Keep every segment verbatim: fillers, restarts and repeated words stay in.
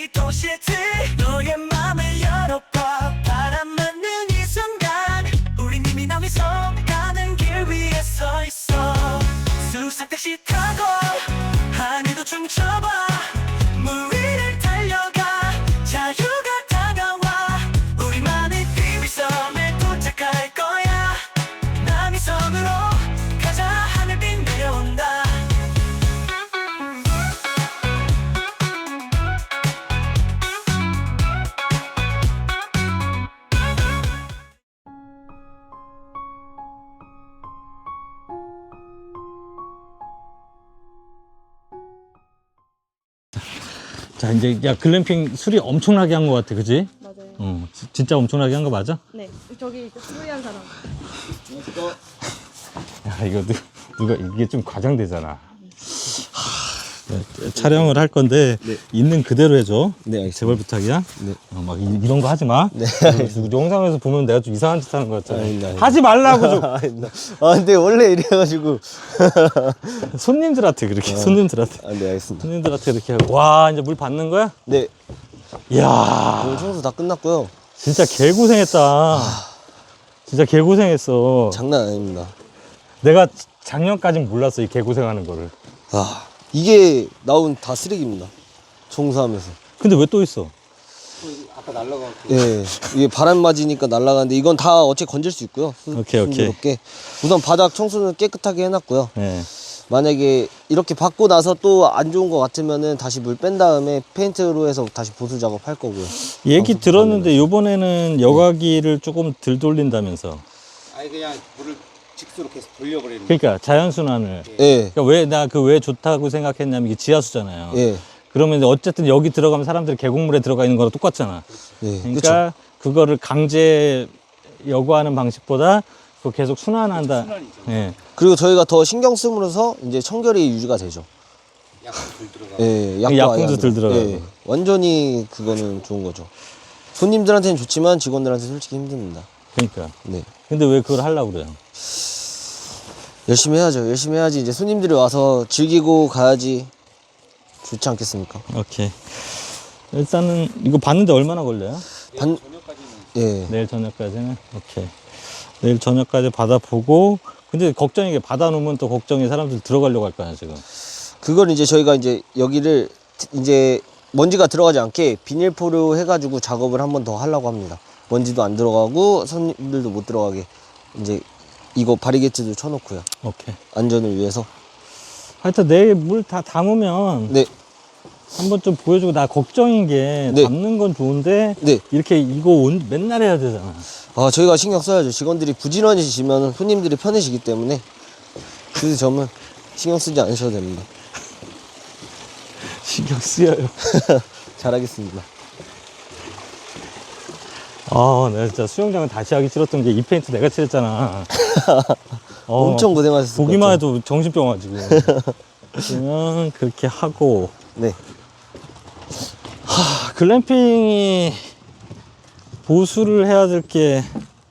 이 도시트 너의 맘을 열어봐. 바람 맞는 이 순간 우린 이미 남이 서가는 길 위에 서 있어. 수상 택시 타고 하늘도 춤춰봐. 물 위를 달려가 자유가 다가와. 우리만의 비밀섬에 도착할 거야. 남이 섬으로 가자. 하늘빛 내려온다. 자, 이제 야 글램핑 수리 엄청나게 한 것 같아, 그지? 맞아요. 어, 지- 진짜 엄청나게 한 거 맞아? 네, 저기 수리한 사람. 야, 이거 누, 누가 이게 좀 과장되잖아. 하, 촬영을 할 건데 네. 있는 그대로 해줘. 네, 알겠습니다. 제발 부탁이야. 네. 어, 막 이, 이런 거 하지 마. 네. 그리고 영상에서 보면 내가 좀 이상한 짓 하는 거 같잖아. 아닙니다, 아닙니다. 하지 말라고 좀. 아닙니다. 아, 근데 원래 이래가지고. 손님들한테 그렇게 손님들한테 아, 네, 알겠습니다. 손님들한테 이렇게 하고. 와, 이제 물 받는 거야? 네, 이야, 오늘 청소 다 끝났고요. 진짜 개고생했다. 진짜 개고생했어. 장난 아닙니다. 내가 작년까진 몰랐어, 이 개고생하는 거를. 아, 이게 나온 다 쓰레기입니다. 청소하면서. 근데 왜 또 있어? 예, 이게 바람 맞으니까 날아가는데 이건 다 어째 건질 수 있고요. 수- 오케이, 오케이. 순조롭게. 우선 바닥 청소는 깨끗하게 해놨고요. 네. 만약에 이렇게 받고 나서 또 안 좋은 것 같으면은 다시 물 뺀 다음에 페인트로 해서 다시 보수 작업할 거고요. 얘기 방수 들었는데 요번에는 여과기를 조금 덜 돌린다면서. 아니 그냥 물을 직수로 계속 돌려버리는 거예요. 그러니까 자연순환을. 예, 그러니까 왜 나 그 왜 좋다고 생각했냐면 이게 지하수잖아요. 예, 그러면 이제 어쨌든 여기 들어가면 사람들이 계곡물에 들어가 있는 거랑 똑같잖아. 예. 그러니까 그쵸. 그거를 강제 여과하는 방식보다 그거 계속 순환한다. 순환이죠. 예. 그리고 저희가 더 신경 쓰므로서 이제 청결이 유지가 되죠. 약간 덜 들어가. 예, 약분도 아예 안 덜 들어가요. 들어가고. 예, 완전히 그거는 좋은 거죠. 손님들한테는 좋지만 직원들한테 솔직히 힘듭니다. 그러니까. 네, 근데 왜 그걸 하려고 그래요? 열심히 해야죠. 열심히 해야지 이제 손님들이 와서 즐기고 가야지 좋지 않겠습니까? 오케이. 일단은 이거 받는데 얼마나 걸려요? 반, 저녁까지는 예, 내일 저녁까지는? 오케이. 내일 저녁까지 받아보고, 근데 걱정이 게 받아놓으면 또 걱정이 사람들 들어가려고 할 거 아니야, 지금. 그걸 이제 저희가 이제 여기를 이제 먼지가 들어가지 않게 비닐포로 해가지고 작업을 한 번 더 하려고 합니다. 먼지도 안 들어가고 손님들도 못 들어가게 이제 이거 바리게이트도 쳐놓고요. 오케이. 안전을 위해서. 하여튼 내일 물 다 담으면 네, 한번 좀 보여주고, 나 걱정인 게 네. 담는 건 좋은데, 네. 이렇게 이거 온, 맨날 해야 되잖아. 아, 저희가 신경 써야죠. 직원들이 부지런해지시면 손님들이 편해지기 때문에 그 점은 신경 쓰지 않으셔도 됩니다. 신경 쓰여요. 잘하겠습니다. 아, 내가 진짜 수영장은 다시 하기 싫었던 게 이 페인트 내가 칠했잖아. 어, 엄청 고생하셨을 것 보기만 같아요. 해도 정신병 와, 지금. 그러면 그렇게 하고, 네, 하, 글램핑이 보수를 해야 될 게,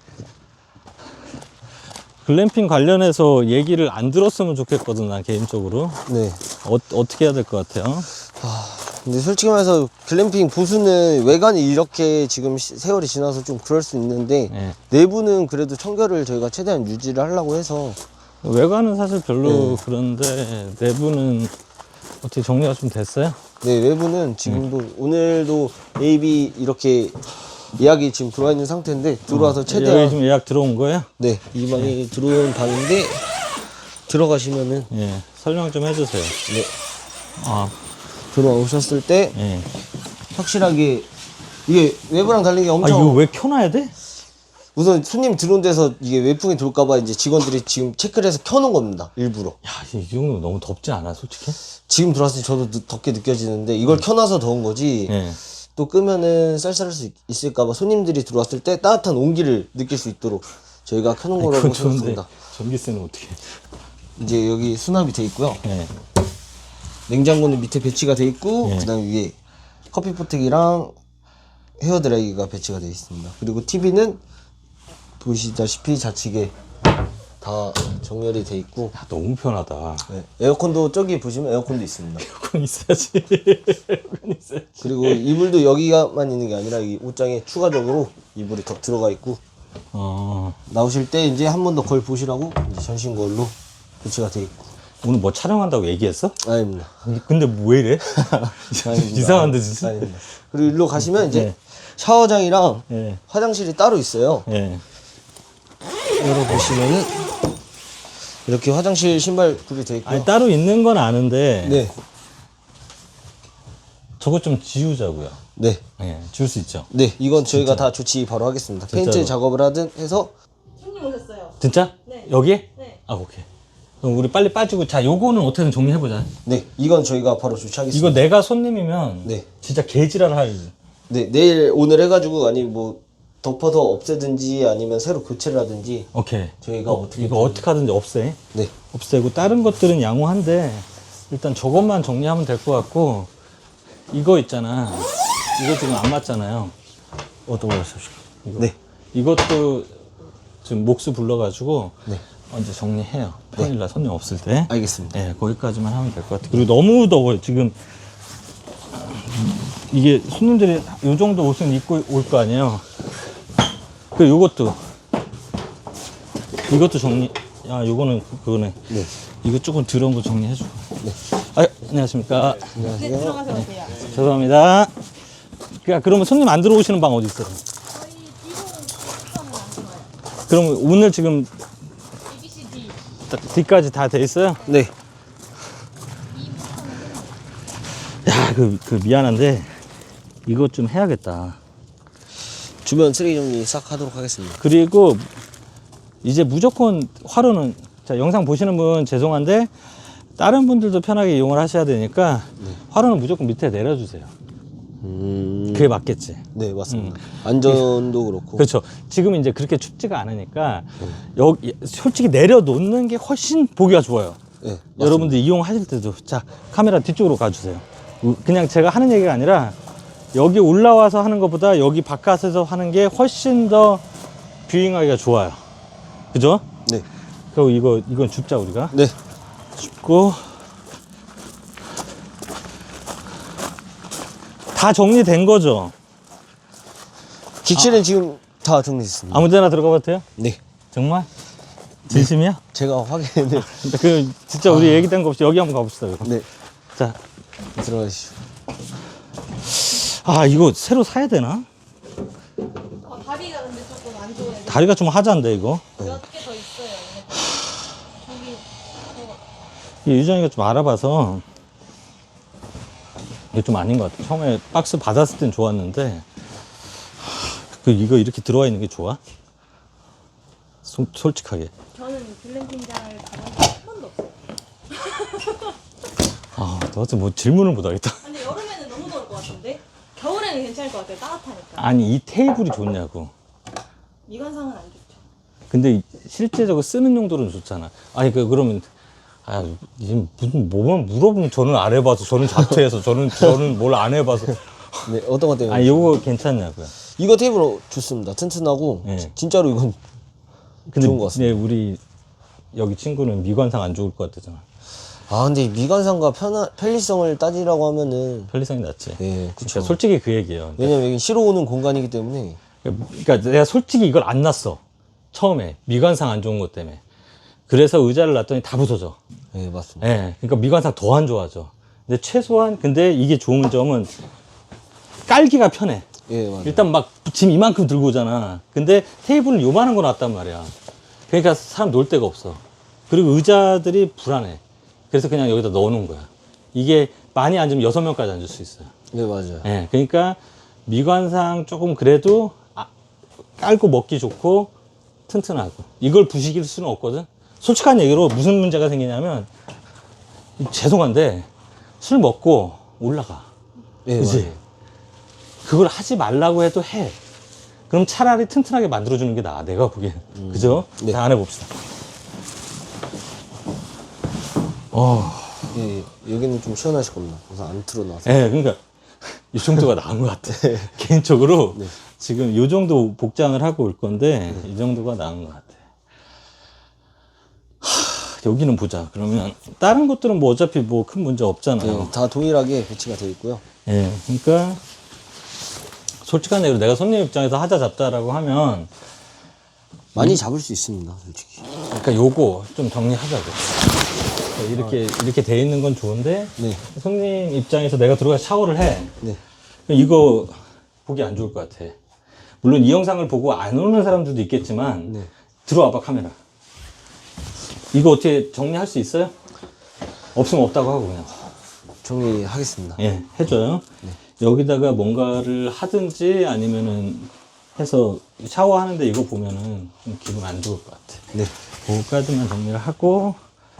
글램핑 관련해서 얘기를 안 들었으면 좋겠거든, 난 개인적으로. 네. 어, 어떻게 해야 될 것 같아요? 근데 솔직히 말해서 글램핑 보수는 외관이 이렇게 지금 시- 세월이 지나서 좀 그럴 수 있는데 네. 내부는 그래도 청결을 저희가 최대한 유지를 하려고 해서 외관은 사실 별로 네. 그런데, 내부는 어떻게 정리가 좀 됐어요? 네, 외부는 지금도 오늘도 에이비 이렇게 예약이 지금 들어와 있는 상태인데 들어와서 최대한 여기 지금 예약 들어온 거예요? 네, 이 방이 들어온 방인데 들어가시면은 예, 설명 좀 해주세요. 네, 아, 들어오셨을 때 예. 확실하게 이게 외부랑 다른 게 아, 엄청 이거 왜 켜놔야 돼? 우선 손님 들어온 데서 이게 외풍이 돌까봐 이제 직원들이 지금 체크를 해서 켜놓은 겁니다. 일부러. 야, 이 정도 너무 덥지 않아, 솔직히? 지금 들어왔을 때 저도 늦- 덥게 느껴지는데 이걸 켜놔서 더운 거지. 예. 또 끄면은 쌀쌀할 수 있- 있을까봐 손님들이 들어왔을 때 따뜻한 온기를 느낄 수 있도록 저희가 켜놓은 거라고 그건 좋은데, 생각합니다. 전기세는 어떻게? 이제 여기 수납이 돼 있고요. 예. 냉장고는 밑에 배치가 돼 있고 예. 그다음 위에 커피 포트기랑 헤어드라이기가 배치가 되어 있습니다. 그리고 티비는 보시다시피 좌측에 다 정렬이 돼 있고. 야, 너무 편하다. 네. 에어컨도 저기 보시면 에어컨도 있습니다. 에어컨 있어야지. 에어컨 있어야지. 그리고 이불도 여기가만 있는 게 아니라 이 옷장에 추가적으로 이불이 더 들어가 있고. 어, 나오실 때 이제 한 번 더 걸 보시라고 이제 전신 걸로 교체가 돼 있고. 오늘 뭐 촬영한다고 얘기했어? 아닙니다. 근데 뭐 왜 이래? 아닙니다. 이상한데 진짜. 아닙니다. 그리고 일로 가시면 이제 네. 샤워장이랑 예. 화장실이 따로 있어요. 예. 열어보시면은 이렇게 화장실 신발 굽이 돼 있고요. 아니 따로 있는 건 아는데 네, 저거 좀 지우자고요. 네, 예, 지울 수 있죠. 네. 이건 저희가 다 조치 바로 하겠습니다. 페인트 진짜로. 작업을 하든 해서. 손님 오셨어요. 진짜? 네. 여기에? 네. 아 오케이. 그럼 우리 빨리 빠지고 자 요거는 어떻게든 정리해보자. 네, 이건 저희가 바로 조치하겠습니다. 이거 내가 손님이면 네. 진짜 개지랄 할. 네, 내일 오늘 해가지고 아니 뭐 덮어서 없애든지 아니면 새로 교체를 하든지. 오케이. 저희가 어, 어떻게 이거 좀- 어떻게 하든지 없애. 네, 없애고 다른 것들은 양호한데 일단 저것만 정리하면 될 것 같고 이거 있잖아. 이거 지금 안 맞잖아요. 어떤 거 하십시오? 이거. 네. 이것도 지금 몫을 불러가지고 네. 언제 정리해요. 평일날 손님 없을 때. 알겠습니다. 네, 거기까지만 하면 될 것 같아요. 그리고 너무 더워요. 지금 이게 손님들이 요 정도 옷은 입고 올 거 아니에요. 그리고 요것도 이것도 정리. 아, 요거는 그거네. 네. 이거 조금 더러운 거 정리해주고. 네. 아, 안녕하십니까. 네, 들어가서 오세요. 죄송합니다. 그러니까 그러면 손님 안 들어오시는 방 어디 있어요? 저희 뒤로 시간은 안 좋아요. 그럼 오늘 지금 A B C D. D까지 다 돼 있어요? 네. 야, 그, 그 미안한데 이거 좀 해야겠다. 주변 쓰레기 정리 싹 하도록 하겠습니다. 그리고 이제 무조건 화로는 자 영상 보시는 분 죄송한데 다른 분들도 편하게 이용을 하셔야 되니까 화로는 무조건 밑에 내려주세요. 음. 그게 맞겠지. 네, 맞습니다. 안전도 그렇고. 그렇죠. 지금 이제 그렇게 춥지가 않으니까 여기 솔직히 내려놓는 게 훨씬 보기가 좋아요. 네, 맞습니다. 여러분들 이용하실 때도 자 카메라 뒤쪽으로 가주세요. 우- 그냥 제가 하는 얘기가 아니라 여기 올라와서 하는 것보다 여기 바깥에서 하는 게 훨씬 더 뷰잉하기가 좋아요. 그죠? 네. 그리고 이거 이건 줍자 우리가 네. 줍고 다 정리된 거죠. 객실은 지금 다 정리됐습니다. 아무데나 들어가 봐도 돼요? 네. 정말? 진심이야? 제가 확인을. 그 진짜 우리 얘기된 거 없이 여기 한번 가봅시다. 그럼. 네. 자, 들어가시죠. 아 이거 새로 사야 되나? 어, 다리가 근데 조금 안 좋아요. 다리가 좀 하자인데 이거. 몇 개 더 있어요. 저기 이 유정이가 좀 알아봐서 이게 좀 아닌 것 같아. 처음에 박스 받았을 땐 좋았는데 그 이거 이렇게 들어와 있는 게 좋아? 소, 솔직하게. 저는 글램핑장을 가본 적한 번도 없어요. 아, 너한테 뭐 질문을 못 하겠다. 근데 여름에는 너무 더울 것 같은데? 겨울에는 괜찮을 것 같아요. 따뜻하니까. 아니 이 테이블이 좋냐고. 미관상은 안 좋죠. 근데 실제적으로 쓰는 용도로는 좋잖아. 아니 그 그러면 아 지금 무슨 뭐만 물어보면 저는 안 해봐서 저는 자퇴해서 저는 저는 뭘 안 해봐서 네, 어떤 것 때문에? 아니 요거 괜찮냐고요. 이거 테이블 좋습니다. 튼튼하고 네. 진짜로 이건 근데 좋은 것 같습니다. 네, 우리 여기 친구는 미관상 안 좋을 것 같다잖아. 아 근데 미관상과 편하, 편리성을 따지라고 하면은 편리성이 낫지. 네, 그쵸. 그러니까 솔직히 그 얘기예요. 왜냐면 여기 쉬러 오는 공간이기 때문에. 그러니까 내가 솔직히 이걸 안 놨어. 처음에 미관상 안 좋은 것 때문에. 그래서 의자를 놨더니 다 부서져. 네, 맞습니다. 예, 그러니까 미관상 더 안 좋아져. 근데 최소한 근데 이게 좋은 점은 깔기가 편해. 예, 맞아요. 일단 막 짐 이만큼 들고 오잖아. 근데 테이블은 요만한 거 놨단 말이야. 그러니까 사람 놀 데가 없어. 그리고 의자들이 불안해. 그래서 그냥 여기다 넣어놓은 거야. 이게 많이 앉으면 여섯 명까지 앉을 수 있어요. 네, 맞아요. 예, 그러니까 미관상 조금 그래도 아, 깔고 먹기 좋고 튼튼하고 이걸 부식일 수는 없거든. 솔직한 얘기로 무슨 문제가 생기냐면 죄송한데 술 먹고 올라가. 예, 그지? 맞아요. 그걸 하지 말라고 해도 해. 그럼 차라리 튼튼하게 만들어주는 게 나아, 내가 보기엔. 그죠? 네. 자, 안 해봅시다. 어, 예, 예, 여기는 좀 시원하실 겁니다. 우선 안 틀어놔서. 예, 그러니까 이 정도가 나은 것 같아. 개인적으로 네. 지금 이 정도 복장을 하고 올 건데 이 정도가 나은 것 같아. 여기는 보자. 그러면 다른 것들은 뭐 어차피 뭐 큰 문제 없잖아요. 네, 다 동일하게 배치가 되어 있고요. 예, 그러니까 솔직한 얘기로 내가 손님 입장에서 하자 잡자라고 하면 많이 잡을 수 있습니다, 솔직히. 그러니까 요거 좀 정리하자고. 그러니까 이렇게 이렇게 돼 있는 건 좋은데 네. 손님 입장에서 내가 들어가 샤워를 해. 네. 이거 보기 안 좋을 것 같아. 물론 이 영상을 보고 안 오는 사람들도 있겠지만 네. 들어와봐 카메라. 이거 어떻게 정리할 수 있어요? 없으면 없다고 하고 그냥. 정리하겠습니다. 예, 해줘요. 여기다가 뭔가를 하든지 아니면은 해서 샤워하는데 이거 보면은 좀 기분 안 좋을 것 같아. 네. 그거까지만 정리를 하고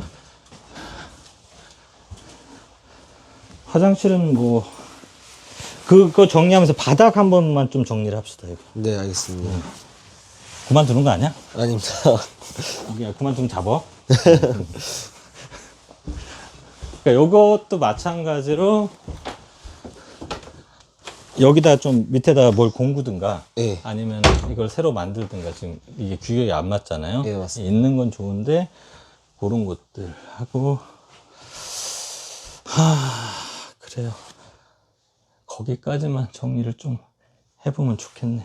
화장실은 뭐 그거 정리하면서 바닥 한 번만 좀 정리를 합시다. 이거. 네, 알겠습니다. 그만두는 거 아니야? 아닙니다. 그냥 그만 좀 잡어. 그러니까 요것도 마찬가지로 여기다 좀 밑에다 뭘 공구든가 예. 아니면 이걸 새로 만들든가 지금 이게 규격이 안 맞잖아요. 예, 맞습니다. 있는 건 좋은데 그런 것들 하고 하 그래요. 거기까지만 정리를 좀 해보면 좋겠네.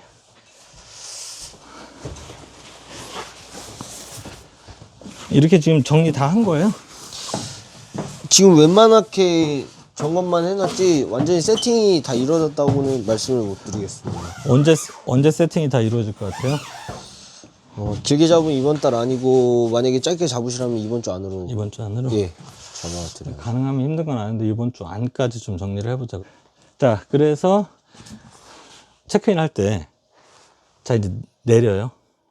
이렇게 지금 정리 다 한 거예요? 지금 웬만하게 점검만 해놨지 완전히 세팅이 다 이루어졌다고는 말씀을 못 드리겠습니다. 언제 언제 세팅이 다 이루어질 것 같아요? 어, 길게 잡으면 이번 달 아니고 만약에 짧게 잡으시라면 이번 주 안으로 이번 주 안으로? 예 잡아드려요. 가능하면 힘든 건 아닌데 이번 주 안까지 좀 정리를 해보자고. 자, 그래서 체크인 할 때 자 이제 내려요.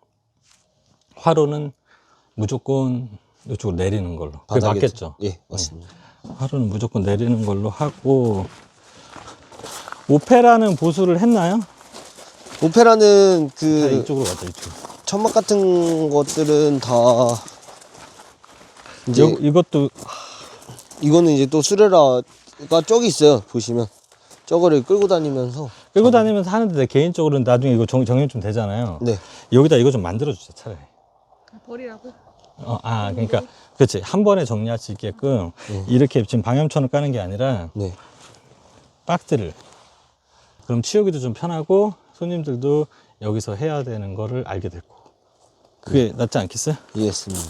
화로는 무조건 이쪽으로 내리는 걸로. 그게 바닥에- 맞겠죠? 예 맞습니다. 화로는 무조건 내리는 걸로 하고 오페라는 보수를 했나요? 오페라는 자, 그 이쪽으로 가자 이쪽. 천막 같은 것들은 다 이제 요, 이것도 이거는 이제 또 수레라가 저기 있어요. 보시면 저거를 끌고 다니면서 끌고 다니면서 하는데 내 개인적으로는 나중에 이거 정, 정리 좀 되잖아요. 네 여기다 이거 좀 만들어 주자 차라리. 버리라고? 어, 아, 그러니까, 그렇지. 한 번에 정리할 수 있게끔, 이렇게 지금 방염천을 까는 게 아니라, 네. 박스를. 그럼 치우기도 좀 편하고, 손님들도 여기서 해야 되는 거를 알게 됐고. 그게 낫지 않겠어요? 이해했습니다.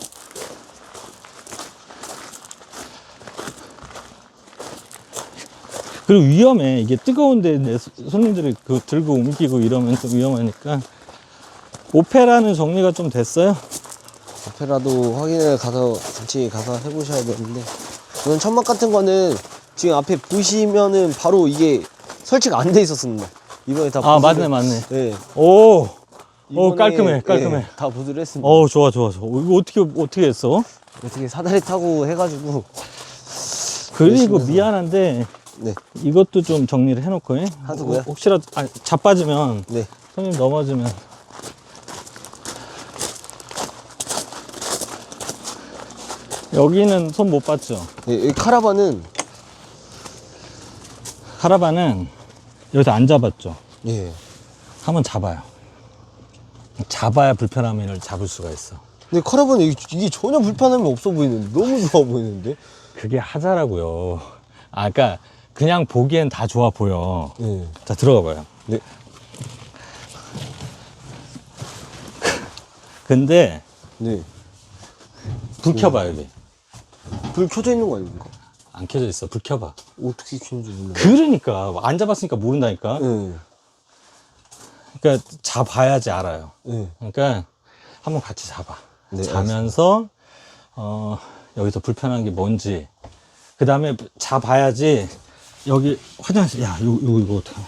그리고 위험해. 이게 뜨거운데 내 손님들이 그 들고 옮기고 이러면 좀 위험하니까. 오페라는 정리가 좀 됐어요? 오페라도 확인을 가서 같이 가서 해보셔야 되는데 이건 천막 같은 거는 지금 앞에 보시면은 바로 이게 설치가 안 돼 있었습니다. 이번에 다 아, 보수를- 맞네, 맞네. 네. 오! 오, 이번에, 깔끔해, 깔끔해. 예, 다 보수를 했습니다. 어우, 좋아, 좋아, 좋아. 이거 어떻게, 어떻게 했어? 어떻게 사다리 타고 해가지고 그리고 열심히 해서. 미안한데, 네, 이것도 좀 정리를 해놓고, 해. 하자고요? 혹시라도, 아, 자빠지면, 네, 손님 넘어지면. 여기는 손 못 봤죠? 네, 이 카라반은 카라반은 여기서 안 잡았죠? 예. 한번 잡아요. 잡아야 불편함을 잡을 수가 있어. 근데 카라반은 이게, 이게 전혀 불편함이 없어 보이는데 너무 좋아 보이는데. 그게 하자라고요. 아, 그러니까 그냥 보기엔 다 좋아 보여. 네, 자, 들어가 봐요. 네, 근데 네. 불 켜봐, 여기. 불 켜져 있는 거 아닙니까? 안 켜져 있어. 불 켜봐. 어떻게 켜는지 몰라. 그러니까 안 잡았으니까 모른다니까. 네, 그러니까 잡아야지 알아요. 네. 그러니까 한번 같이 잡아. 네, 자면서 어, 여기서 불편한 게 뭔지. 그 다음에 잡아야지. 여기 화장실. 야, 이거 이거, 이거 어떡해.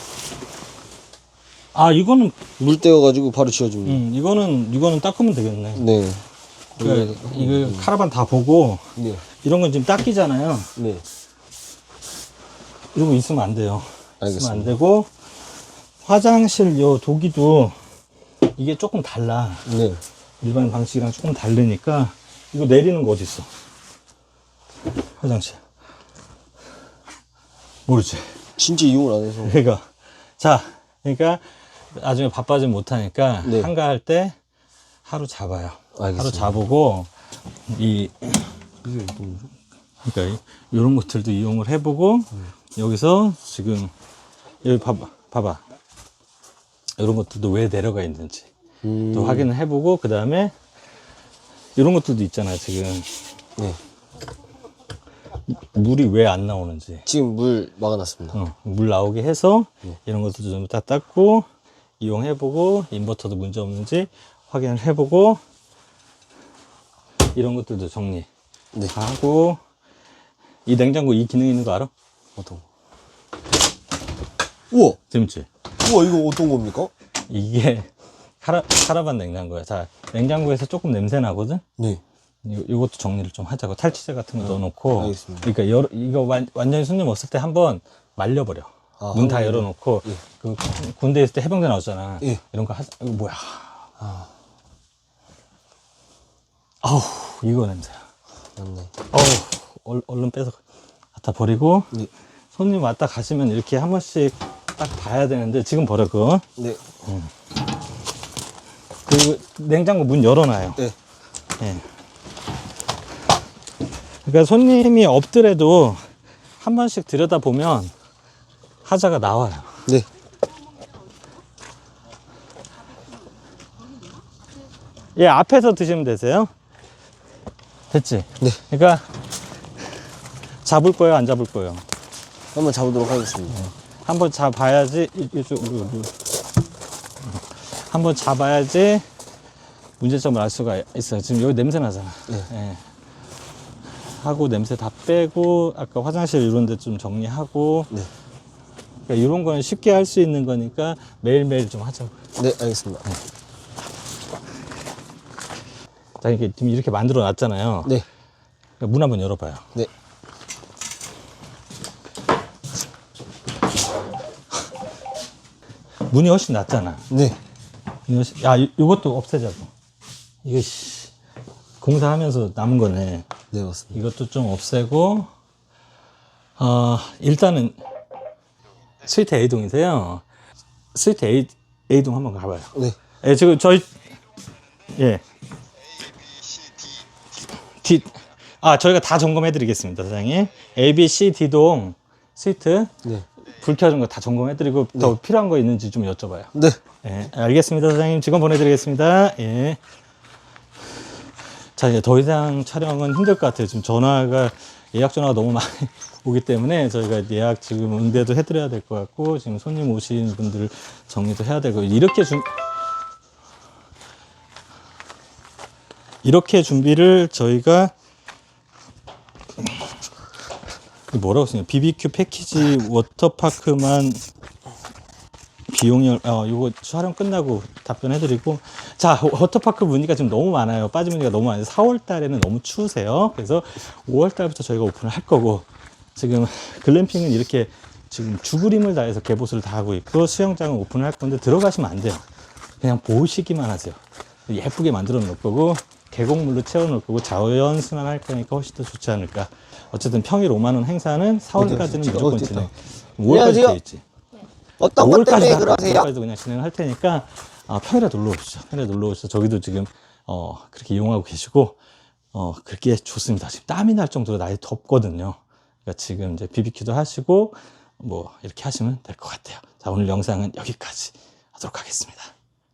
아, 이거는 물 떼어가지고 바로 지워줍니다. 음, 이거는 이거는 닦으면 되겠네. 네, 그러니까 이거 카라반 다 보고 네, 이런 건 지금 닦이잖아요. 네. 이런 거 있으면 안 돼요. 있으면 안 알겠습니다. 되고 화장실 요 도기도 이게 조금 달라. 네. 일반 방식이랑 조금 다르니까 이거 내리는 거 어디 있어? 화장실. 모르지. 진짜 이용을 안 해서. 그러니까 자, 그러니까 나중에 바빠지면 못하니까 네. 한가할 때 하루 잡아요. 하루 알겠습니다. 잡고 이 그러니까 이런 것들도 이용을 해보고 여기서 지금 여기 봐봐, 봐봐. 이런 것들도 왜 내려가 있는지 음. 또 확인을 해보고 그 다음에 이런 것들도 있잖아요. 지금 네. 물이 왜 안 나오는지 지금 물 막아놨습니다. 어, 물 나오게 해서 이런 것들도 좀 딱 닦고 이용해보고 인버터도 문제 없는지 확인을 해보고 이런 것들도 정리 네. 다 하고 이 냉장고 이 기능 있는 거 알아? 어떤 거? 우와! 재밌지? 우와, 이거 어떤 겁니까? 이게 카라, 카라반 냉장고야. 자, 냉장고에서 조금 냄새 나거든? 네. 이, 이것도 정리를 좀 하자고. 탈취제 같은 거 넣어놓고. 알겠습니다. 그러니까 여, 이거 완, 완전히 손님 없을 때 한번 말려버려. 아, 문 다 한번 열어놓고. 예. 그 군대 있을 때 해병대 나오잖아. 예. 이런 거 하자. 이거 뭐야. 아우, 이거 냄새야. 맞네. 어우, 얼, 얼른 빼서 갖다 버리고. 네. 손님 왔다 가시면 이렇게 한 번씩 딱 봐야 되는데 지금 버려, 그거. 네. 그리고 냉장고 문 열어놔요. 네. 예. 그러니까 손님이 없더라도 한 번씩 들여다보면 하자가 나와요. 네. 예, 앞에서 드시면 되세요. 됐지? 네. 그러니까 잡을 거예요, 안 잡을 거예요? 한번 잡아보도록 하겠습니다. 한번 잡아야지. 이- 이쪽, 이거, 이거. 한번 잡아야지 문제점을 알 수가 있어요. 지금 여기 냄새 나잖아. 네. 예. 하고 냄새 다 빼고 아까 화장실 이런 데 좀 정리하고 네. 그러니까 이런 거는 쉽게 할 수 있는 거니까 매일매일 좀 하자고. 네, 알겠습니다. 자, 이렇게 지금 이렇게 만들어 놨잖아요. 네. 그러니까 문 한번 열어봐요. 네. 문이 훨씬 낫잖아. 네. 문이 훨씬, 야, 이- 이것도 없애자고. 이거 씨, 공사하면서 남은 거네. 네, 맞습니다. 이것도 좀 없애고, 어, 일단은 스위트 A동이세요. 스위트 A, A동 한번 가봐요. 네. 예, 지금 저희, 예. D, 아, 저희가 다 점검해 드리겠습니다, 사장님. A, B, C, D동 스위트, 네. 불 켜진 거 다 점검해 드리고, 더 필요한 거 있는지 좀 여쭤봐요. 네. 예, 알겠습니다, 사장님. 직원 보내드리겠습니다. 예. 자, 이제 더 이상 촬영은 힘들 것 같아요. 지금 전화가, 예약 전화가 너무 많이 오기 때문에 저희가 예약 지금 응대도 해드려야 될 것 같고, 지금 손님 오신 분들 정리도 해야 되고, 이렇게 준, 이렇게 준비를 저희가, 뭐라고 쓰냐, 비비큐 패키지 워터파크만 비용이, 어, 이거 촬영 끝나고 답변해드리고. 자, 워터파크 문의가 지금 너무 많아요. 빠진 문의가 너무 많아요. 사월 달에는 너무 추우세요. 그래서 오월 달부터 저희가 오픈을 할 거고, 지금 글램핑은 이렇게 지금 죽으림을 다해서 개보수를 다 하고 있고, 수영장은 오픈을 할 건데 들어가시면 안 돼요. 그냥 보시기만 하세요. 예쁘게 만들어 놓을 거고, 계곡물로 채워 놓을 거고, 자연 순환할 거니까 훨씬 더 좋지 않을까. 어쨌든 평일 오만 원 행사는 사월까지는 어디, 무조건 어디 진행. 있다. 오월까지 안녕하세요. 돼 있지. 어떤 것 때문에 그러세요? 오월까지도 그냥 진행할 테니까, 아, 평일에 놀러 오시죠. 평일에 놀러 오시죠. 저기도 지금, 어, 그렇게 이용하고 계시고, 어, 그렇게 좋습니다. 지금 땀이 날 정도로 날이 덥거든요. 그러니까 지금 이제 비비큐도 하시고, 뭐, 이렇게 하시면 될 것 같아요. 자, 오늘 영상은 여기까지 하도록 하겠습니다.